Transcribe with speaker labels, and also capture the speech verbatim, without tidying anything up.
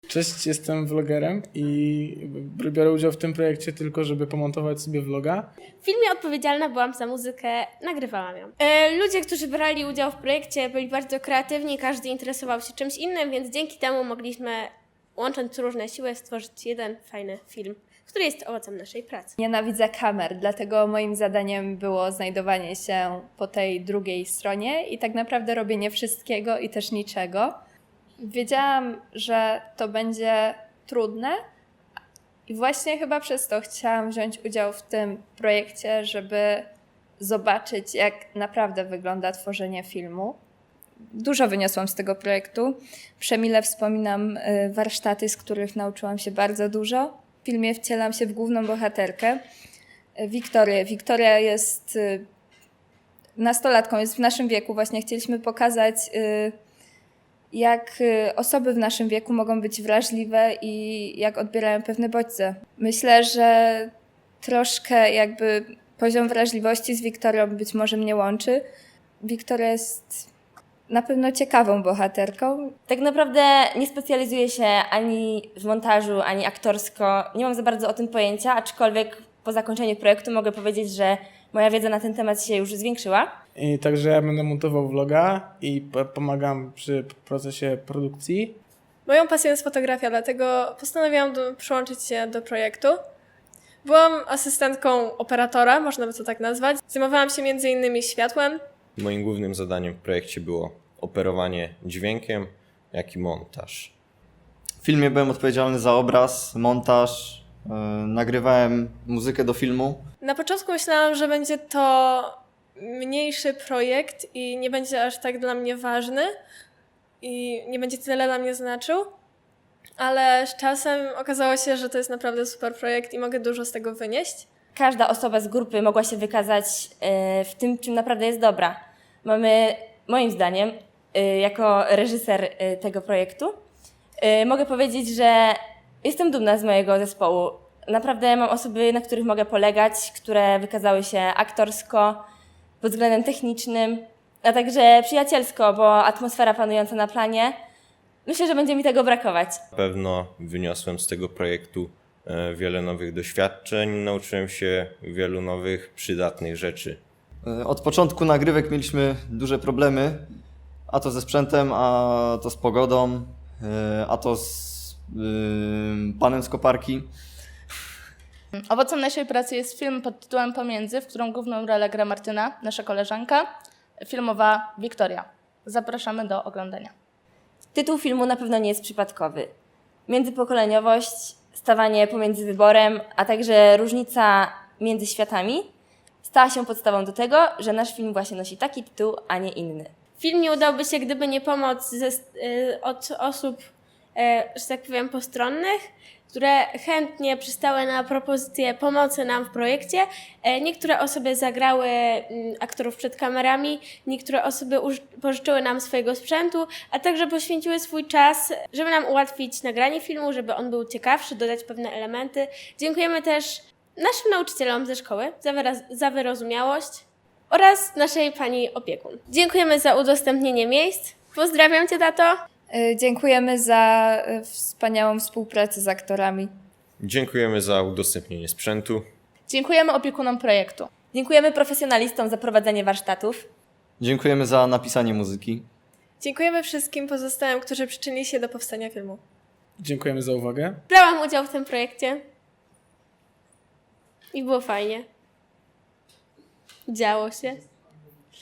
Speaker 1: Cześć, jestem vlogerem i biorę udział w tym projekcie tylko, żeby pomontować sobie vloga.
Speaker 2: W filmie odpowiedzialna byłam za muzykę, nagrywałam ją. E, ludzie, którzy brali udział w projekcie, byli bardzo kreatywni, każdy interesował się czymś innym, więc dzięki temu mogliśmy, łącząc różne siły, stworzyć jeden fajny film, który jest owocem naszej pracy.
Speaker 3: Nienawidzę kamer, dlatego moim zadaniem było znajdowanie się po tej drugiej stronie i tak naprawdę robienie wszystkiego i też niczego. Wiedziałam, że to będzie trudne i właśnie chyba przez to chciałam wziąć udział w tym projekcie, żeby zobaczyć, jak naprawdę wygląda tworzenie filmu. Dużo wyniosłam z tego projektu. Przemile wspominam warsztaty, z których nauczyłam się bardzo dużo. W filmie wcielam się w główną bohaterkę, Wiktorię. Wiktoria jest nastolatką, jest w naszym wieku. Właśnie chcieliśmy pokazać, jak osoby w naszym wieku mogą być wrażliwe i jak odbierają pewne bodźce. Myślę, że troszkę jakby poziom wrażliwości z Wiktorią być może mnie łączy. Wiktoria jest na pewno ciekawą bohaterką.
Speaker 4: Tak naprawdę nie specjalizuję się ani w montażu, ani aktorsko. Nie mam za bardzo o tym pojęcia, aczkolwiek po zakończeniu projektu mogę powiedzieć, że moja wiedza na ten temat się już zwiększyła.
Speaker 1: I także ja będę montował vloga i p- pomagam przy procesie produkcji.
Speaker 5: Moją pasją jest fotografia, dlatego postanowiłam do, przyłączyć się do projektu. Byłam asystentką operatora, można by to tak nazwać. Zajmowałam się między innymi światłem.
Speaker 6: Moim głównym zadaniem w projekcie było operowanie dźwiękiem, jak i montaż.
Speaker 7: W filmie byłem odpowiedzialny za obraz, montaż, yy, nagrywałem muzykę do filmu.
Speaker 5: Na początku myślałam, że będzie to mniejszy projekt i nie będzie aż tak dla mnie ważny i nie będzie tyle dla mnie znaczył, ale z czasem okazało się, że to jest naprawdę super projekt i mogę dużo z tego wynieść.
Speaker 4: Każda osoba z grupy mogła się wykazać w tym, czym naprawdę jest dobra. Mamy, moim zdaniem, jako reżyser tego projektu, mogę powiedzieć, że jestem dumna z mojego zespołu. Naprawdę mam osoby, na których mogę polegać, które wykazały się aktorsko, pod względem technicznym, a także przyjacielsko, bo atmosfera panująca na planie, myślę, że będzie mi tego brakować.
Speaker 6: Na pewno wyniosłem z tego projektu wiele nowych doświadczeń, nauczyłem się wielu nowych, przydatnych rzeczy.
Speaker 7: Yy, Od początku nagrywek mieliśmy duże problemy, a to ze sprzętem, a to z pogodą, yy, a to z yy, panem z koparki.
Speaker 8: Owocem naszej pracy jest film pod tytułem Pomiędzy, w którym główną rolę gra Martyna, nasza koleżanka, filmowa Wiktoria. Zapraszamy do oglądania.
Speaker 4: Tytuł filmu na pewno nie jest przypadkowy. Międzypokoleniowość, stawanie pomiędzy wyborem, a także różnica między światami stała się podstawą do tego, że nasz film właśnie nosi taki tytuł, a nie inny.
Speaker 2: Film nie udałby się, gdyby nie pomoc ze, y, od osób, y, że tak powiem, postronnych, które chętnie przystały na propozycję pomocy nam w projekcie. E, Niektóre osoby zagrały mm, aktorów przed kamerami, niektóre osoby uż- pożyczyły nam swojego sprzętu, a także poświęciły swój czas, żeby nam ułatwić nagranie filmu, żeby on był ciekawszy, dodać pewne elementy. Dziękujemy też naszym nauczycielom ze szkoły za, wyraz- za wyrozumiałość oraz naszej pani opiekun. Dziękujemy za udostępnienie miejsc. Pozdrawiam Cię, tato.
Speaker 3: Yy, Dziękujemy za yy, wspaniałą współpracę z aktorami.
Speaker 6: Dziękujemy za udostępnienie sprzętu.
Speaker 8: Dziękujemy opiekunom projektu.
Speaker 4: Dziękujemy profesjonalistom za prowadzenie warsztatów.
Speaker 7: Dziękujemy za napisanie muzyki.
Speaker 5: Dziękujemy wszystkim pozostałym, którzy przyczynili się do powstania filmu.
Speaker 1: Dziękujemy za uwagę.
Speaker 2: Brałam udział w tym projekcie i było fajnie. Działo się.